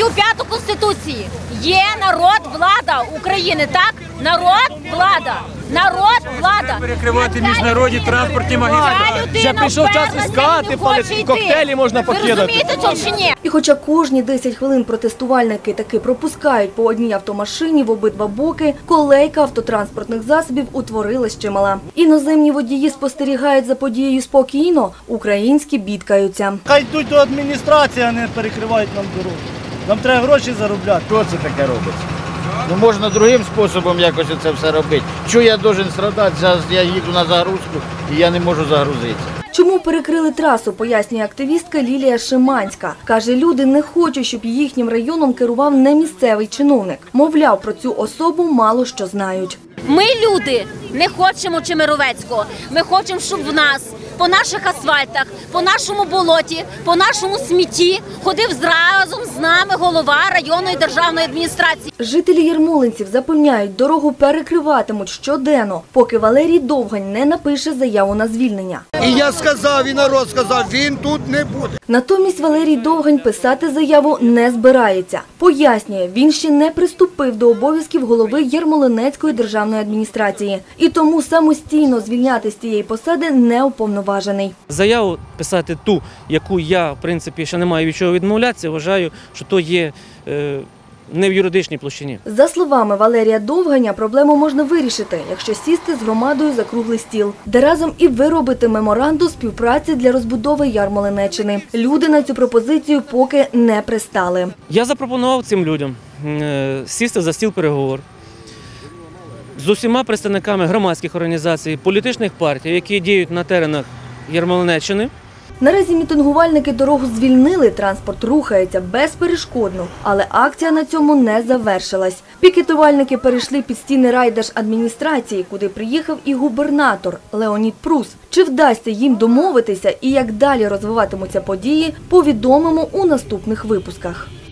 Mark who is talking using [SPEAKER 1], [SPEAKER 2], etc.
[SPEAKER 1] статтю 5 Конституції. Є народ, влада України, так? Народ, влада. Народ, влада.
[SPEAKER 2] Перекривати міжнародні транспортні магістралі.
[SPEAKER 3] Вже прийшов час іскати, коктейлі можна покидати.
[SPEAKER 1] Ви розумієте це чи ні?
[SPEAKER 4] І хоча кожні 10 хвилин протестувальники таки пропускають по одній автомашині в обидва боки, колейка автотранспортних засобів утворилась чимала. Іноземні водії спостерігають за подією спокійно, українські бідкаються.
[SPEAKER 5] Хай йдуть до адміністрації, а не перекривають нам дорогу. Нам треба гроші заробляти.
[SPEAKER 6] Що це таке робиться? Ну можна другим способом якось це все робити. Чого я должен страдати? Зараз я їду на загрузку і я не можу загрузитися.
[SPEAKER 4] Чому перекрили трасу, пояснює активістка Лілія Шиманська. Каже, люди не хочуть, щоб їхнім районом керував не місцевий чиновник. Мовляв, про цю особу мало що знають.
[SPEAKER 1] Ми, люди, не хочемо Чемеровецького. Ми хочемо, щоб в нас по наших асфальтах, по нашому болоті, по нашому смітті ходив разом з нами голова районної державної адміністрації.
[SPEAKER 4] Жителі Ярмолинців запевняють, дорогу перекриватимуть щоденно, поки Валерій Довгань не напише заяву на звільнення.
[SPEAKER 7] І я сказав, і народ сказав, він тут не буде.
[SPEAKER 4] Натомість Валерій Довгань писати заяву не збирається. Пояснює, він ще не приступив до обов'язків голови Ярмолинецької державної адміністрації. І тому самостійно звільняти з цієї посади не уповноважений.
[SPEAKER 3] Заяву писати ту, яку я, в принципі, ще не маю від чого відмовлятися, вважаю, що то є не в юридичній площині.
[SPEAKER 4] За словами Валерія Довганя, проблему можна вирішити, якщо сісти з громадою за круглий стіл, де разом і виробити меморандум співпраці для розбудови Ярмолинеччини. Люди на цю пропозицію поки не пристали.
[SPEAKER 3] Я запропонував цим людям сісти за стіл переговорів з усіма представниками громадських організацій, політичних партій, які діють на теренах Ярмолинеччини.
[SPEAKER 4] Наразі мітингувальники дорогу звільнили, транспорт рухається безперешкодно, але акція на цьому не завершилась. Пікетувальники перейшли під стіни райдержадміністрації, куди приїхав і губернатор Леонід Прус. Чи вдасться їм домовитися і як далі розвиватимуться події, повідомимо у наступних випусках.